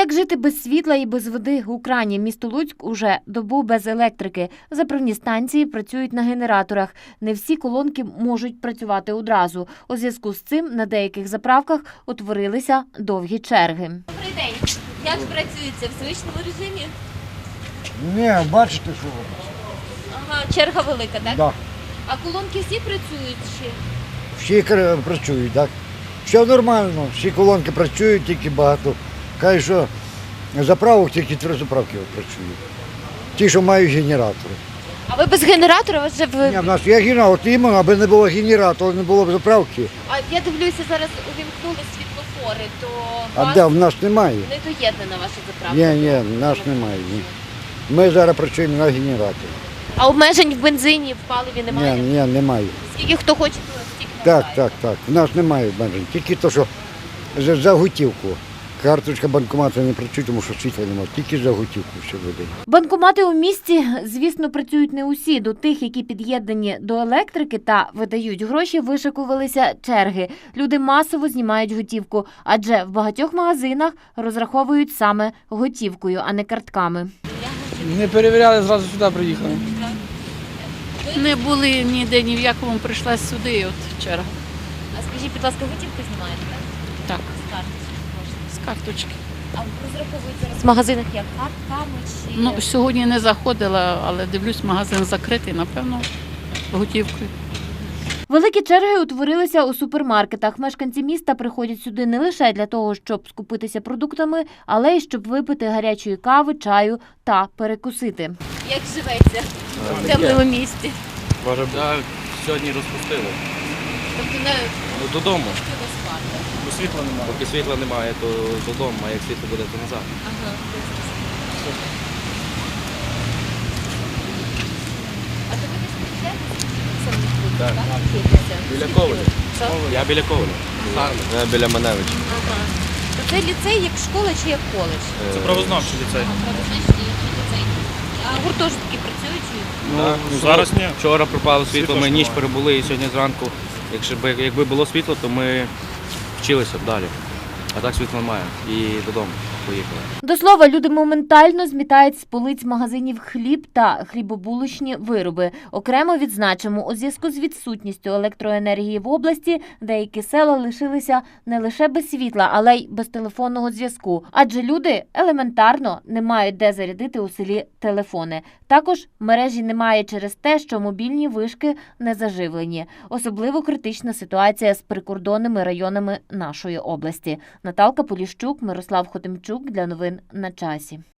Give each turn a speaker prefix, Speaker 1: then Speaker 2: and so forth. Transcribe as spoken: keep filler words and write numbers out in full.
Speaker 1: Як жити без світла і без води у крані? Місто Луцьк уже добу без електрики. Заправні станції працюють на генераторах. Не всі колонки можуть працювати одразу. У зв'язку з цим на деяких заправках утворилися довгі черги.
Speaker 2: Добрий день. Як працюється в звичному режимі?
Speaker 3: Ні, бачите, що робиться?
Speaker 2: Ага, черга велика, так?
Speaker 3: Да.
Speaker 2: А колонки всі працюють ще?
Speaker 3: Всі кр- працюють, так? Все нормально, всі колонки працюють, тільки багато. Кажуть, що заправок тільки три заправки працюють. Ті, що мають генератори.
Speaker 2: А ви без генератора? Ви вже ви...
Speaker 3: Ні, в нас є генератор, от іменно, аби не було генератора, не було б заправки.
Speaker 2: А я дивлюся, зараз увімкнули світлофори, то
Speaker 3: А
Speaker 2: вас
Speaker 3: де, в нас немає?
Speaker 2: не доєднана ваша заправка?
Speaker 3: Ні, ні, в нас немає. Ні. Ми зараз працюємо на генераторі.
Speaker 2: А обмежень в бензині, в паливі немає?
Speaker 3: Ні, ні, немає.
Speaker 2: Скільки хто хоче, то стільки
Speaker 3: Так,
Speaker 2: набирає.
Speaker 3: так, так. В нас немає обмежень. Тільки то, що за, за готівку. Карточка банкомату не працює, тому що світла немає. Тільки за готівку все веде.
Speaker 1: Банкомати у місті, звісно, працюють не усі. До тих, які під'єднані до електрики та видають гроші, вишикувалися черги. Люди масово знімають готівку, адже в багатьох магазинах розраховують саме готівкою, а не картками.
Speaker 4: Не перевіряли, зразу сюди приїхали.
Speaker 5: Не були ніде, ні в якому, прийшла сюди, от черга.
Speaker 2: А скажіть, будь ласка, готівку знімаєте, так?
Speaker 5: Так,
Speaker 2: З карточки можна.
Speaker 5: з карточки.
Speaker 2: А розраховують зараз в магазинах як картками чи...
Speaker 5: Ну, сьогодні не заходила, але дивлюсь, магазин закритий, напевно, готівкою.
Speaker 1: Великі черги утворилися у супермаркетах. Мешканці міста приходять сюди не лише для того, щоб скупитися продуктами, але й щоб випити гарячої кави, чаю та перекусити.
Speaker 2: Як живеться в темному місті?
Speaker 6: Може, а, сьогодні розпустили.
Speaker 2: Тобто не
Speaker 6: Ну, додому.
Speaker 2: хотіло спати.
Speaker 6: Бо світла немає. Поки світла немає, то додому, а як світло буде, то назад.
Speaker 2: Ага. А то ви десь приїжджаєте? Самі тут,
Speaker 6: Так.
Speaker 2: так? Вчитеся?
Speaker 6: Біля
Speaker 2: Скільки
Speaker 6: Коваля.
Speaker 2: ви? Що?
Speaker 6: Я біля Коваля. Я біля Маневича.
Speaker 2: Ага. То це ліцей як школа чи як коледж?
Speaker 6: Це
Speaker 7: Правознавчий ліцей.
Speaker 2: Правознавчий ліцей. А гуртожитки працюють чи?
Speaker 6: Так,
Speaker 7: Ну, зараз ні.
Speaker 6: Вчора пропало світло,
Speaker 7: Світло
Speaker 6: ми
Speaker 7: ж
Speaker 6: ніч
Speaker 7: немає.
Speaker 6: перебули і сьогодні зранку. Якщо б якби було світло, то ми вчилися б далі. А так світла немає. І додому поїхали.
Speaker 1: До слова, люди моментально змітають з полиць магазинів хліб та хлібобулочні вироби. Окремо відзначимо, у зв'язку з відсутністю електроенергії в області деякі села лишилися не лише без світла, але й без телефонного зв'язку. Адже люди елементарно не мають де зарядити у селі телефони. Також мережі немає через те, що мобільні вишки не заживлені. Особливо критична ситуація з прикордонними районами нашої області. Наталка Поліщук, Мирослав Хотимчук для новин на часі.